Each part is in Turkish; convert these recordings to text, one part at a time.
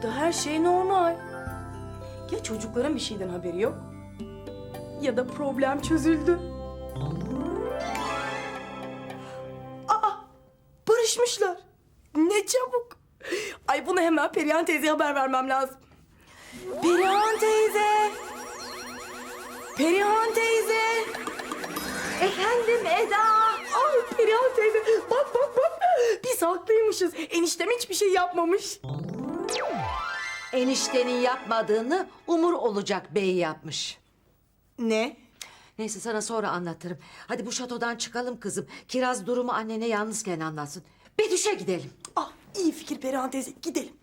Burada her şey normal. Ya çocukların bir şeyden haberi yok ya da problem çözüldü. Aa, barışmışlar. Ne çabuk. Ay bunu hemen Perihan teyzeye haber vermem lazım. Perihan teyze. Perihan teyze. Efendim Eda. Ay Perihan teyze. Bak. Biz haklıymışız. Eniştem hiçbir şey yapmamış. Eniştenin yapmadığını Umur olacak bey yapmış. Ne? Neyse sana sonra anlatırım. Hadi bu şatodan çıkalım kızım. Kiraz durumu annene yalnızken anlatsın. Betüş'e gidelim. Ah iyi fikir Perihan teyze. Gidelim.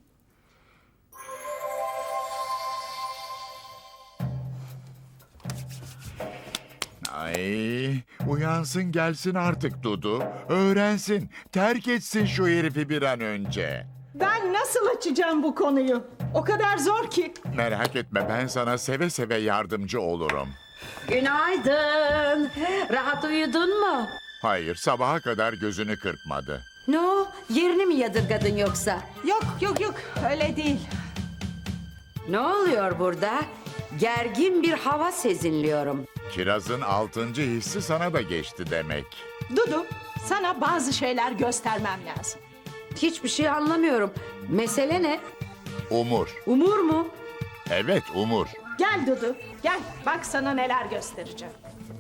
Ay, uyansın gelsin artık Dudu. Öğrensin, terk etsin şu herifi bir an önce. Ben nasıl açacağım bu konuyu? O kadar zor ki. Merak etme, ben sana seve seve yardımcı olurum. Günaydın. Rahat uyudun mu? Hayır, sabaha kadar gözünü kırpmadı. Ne o? Yerini mi yadırgadın yoksa? Yok öyle değil. Ne oluyor burada? Gergin bir hava sezinliyorum. Kirazın 6. hissi sana da geçti demek. Dudu, sana bazı şeyler göstermem lazım. Hiçbir şey anlamıyorum. Mesele ne? Umur. Umur mu? Evet, Umur. Gel Dudu, gel. Bak sana neler göstereceğim.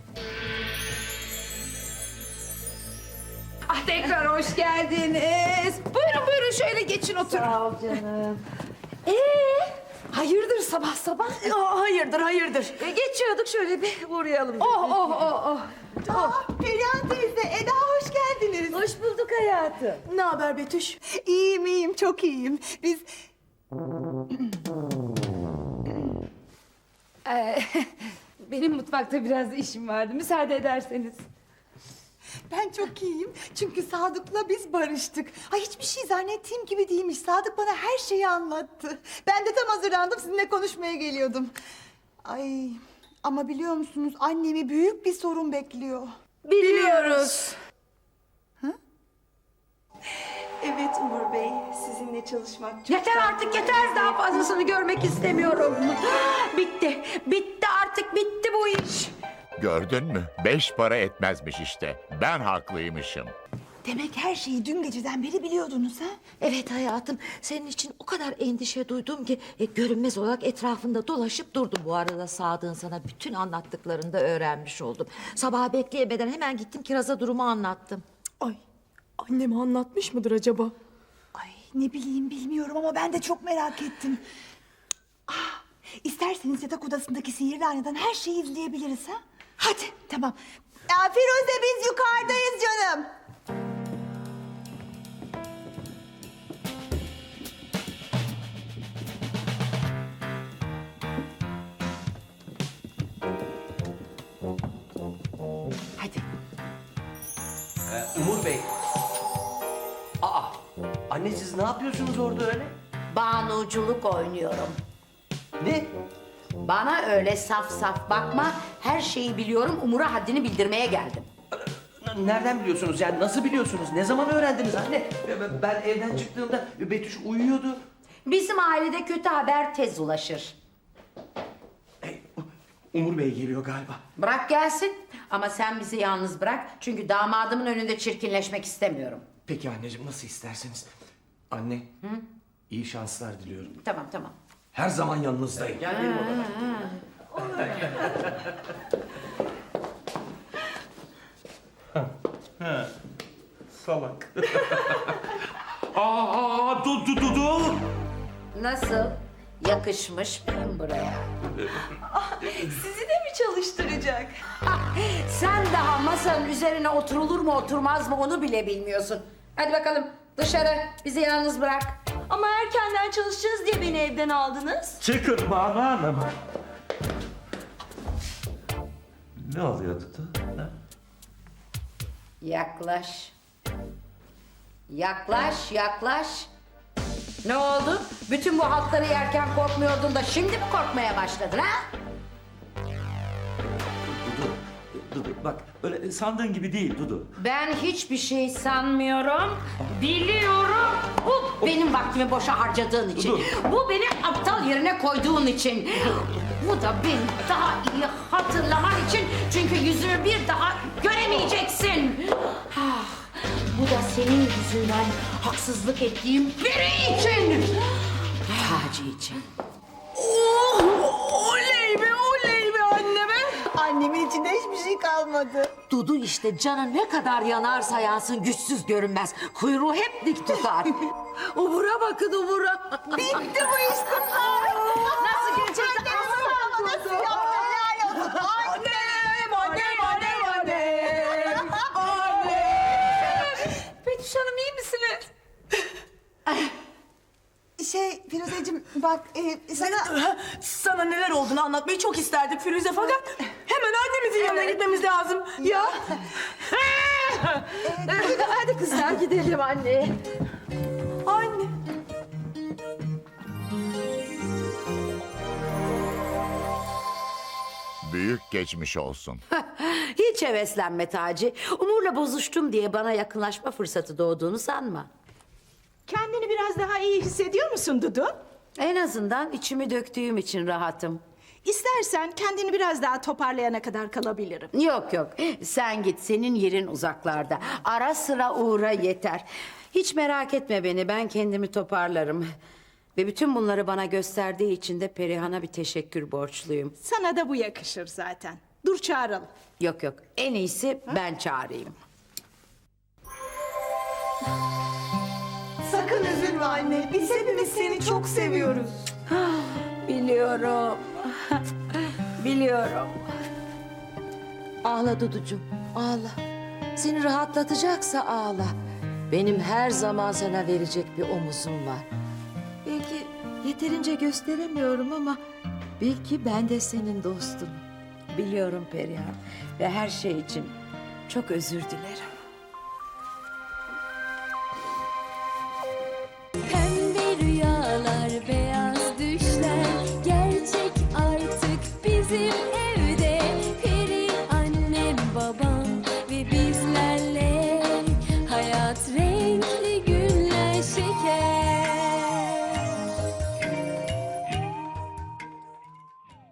Ah tekrar hoş geldiniz. Buyurun şöyle geçin oturun. Sağ ol canım. Hayırdır sabah sabah? Aa, hayırdır. Geçiyorduk şöyle bir uğrayalım. Oh. Perihan teyze, Eda hoş geldiniz. Hoş bulduk hayatım. Ne haber Betüş? İyiyim, çok iyiyim. Benim mutfakta biraz işim vardı. Müsaade ederseniz. Ben çok iyiyim. Çünkü Sadık'la biz barıştık. Ay hiçbir şey zannettiğim gibi değilmiş. Sadık bana her şeyi anlattı. Ben de tam hazırlandım, sizinle konuşmaya geliyordum. Ay ama biliyor musunuz, annemi büyük bir sorun bekliyor. Biliyoruz. Evet Umur Bey, sizinle çalışmak çok... Yeter artık yeter. Daha fazlasını görmek istemiyorum. Bitti artık bitti bu iş. Gördün mü? 5 para etmezmiş işte. Ben haklıymışım. Demek her şeyi dün geceden beri biliyordunuz ha? Evet hayatım, senin için o kadar endişe duydum ki görünmez olarak etrafında dolaşıp durdum. Bu arada Sadık'ın sana bütün anlattıklarını da öğrenmiş oldum. Sabaha bekleyemeden hemen gittim Kiraz'a durumu anlattım. Ay, anneme anlatmış mıdır acaba? Ay ne bileyim, bilmiyorum ama ben de çok merak ettim. Ah, isterseniz yatak odasındaki sihirli aynadan her şeyi izleyebiliriz ha? Hadi tamam. Ya Firuze, biz yukarıdayız canım. Hadi. Umur Bey. Aa, anne siz ne yapıyorsunuz orada öyle? Banuculuk oynuyorum. Ne? Bana öyle saf saf bakma. Her şeyi biliyorum. Umur'a haddini bildirmeye geldim. Nereden biliyorsunuz yani nasıl biliyorsunuz? Ne zaman öğrendiniz anne? Ben evden çıktığımda Betüş uyuyordu. Bizim ailede kötü haber tez ulaşır. Umur Bey geliyor galiba. Bırak gelsin. Ama sen bizi yalnız bırak. Çünkü damadımın önünde çirkinleşmek istemiyorum. Peki anneciğim nasıl isterseniz. Anne. İyi şanslar diliyorum. Tamam. Her zaman yanınızdayım. Gel benim odama. Salak. Dur. Nasıl? Yakışmış mıyım buraya? Sizi de mi çalıştıracak? Sen daha masanın üzerine oturulur mu oturmaz mı onu bile bilmiyorsun. Hadi bakalım dışarı bizi yalnız bırak. Ama erkenden çalışacağız diye beni evden aldınız. Çıkın Banu Hanım. Ne oluyor Dudu? Ha? Yaklaş. Yaklaş. Ne oldu? Bütün bu haltları yerken korkmuyordun da şimdi mi korkmaya başladın ha? Dudu bak öyle sandığın gibi değil Dudu. Ben hiçbir şey sanmıyorum. Biliyorum. Benim vaktimi boşa harcadığın için. Bu beni aptal yerine koyduğun için. Bu da beni daha iyi hatırlaman için. Çünkü yüzümü bir daha göremeyeceksin. Ah, bu da senin yüzünden haksızlık ettiğim biri için. Taci için. Oley be anne be. Annemin içinde hiçbir şey kalmadı. Dudu işte canı ne kadar yanarsa yansın güçsüz görünmez. Kuyruğu hep dik tutar. Ubura bakın ubura. Bitti bu iş. Nasıl gelecek? Nasıl yaptı? Helal olsun. Betüş Hanım iyi misiniz? Firuzeciğim bak sana... Sana neler olduğunu anlatmayı çok isterdik Firuze fakat hemen annemizin yanına gitmemiz lazım. Ya. Hadi kızlar gidelim anne. Anne. Büyük geçmiş olsun. Hiç heveslenme Taci. Umur'la bozuştum diye bana yakınlaşma fırsatı doğduğunu sanma. Kendini biraz daha iyi hissediyor musun Dudu? En azından içimi döktüğüm için rahatım. İstersen kendini biraz daha toparlayana kadar kalabilirim. Yok yok sen git senin yerin uzaklarda. Ara sıra uğra yeter. Hiç merak etme beni ben kendimi toparlarım. Ve bütün bunları bana gösterdiği için de Perihan'a bir teşekkür borçluyum. Sana da bu yakışır zaten. Dur çağıralım. Yok yok en iyisi ben çağırayım. Sakın üzülme anne. Biz hepimiz seni çok seviyoruz. Biliyorum. Biliyorum. Ağla Duducuğum, ağla. Seni rahatlatacaksa ağla. Benim her zaman sana verecek bir omuzum var. Belki yeterince gösteremiyorum ama belki ben de senin dostunum. Biliyorum Perihan ve her şey için çok özür dilerim.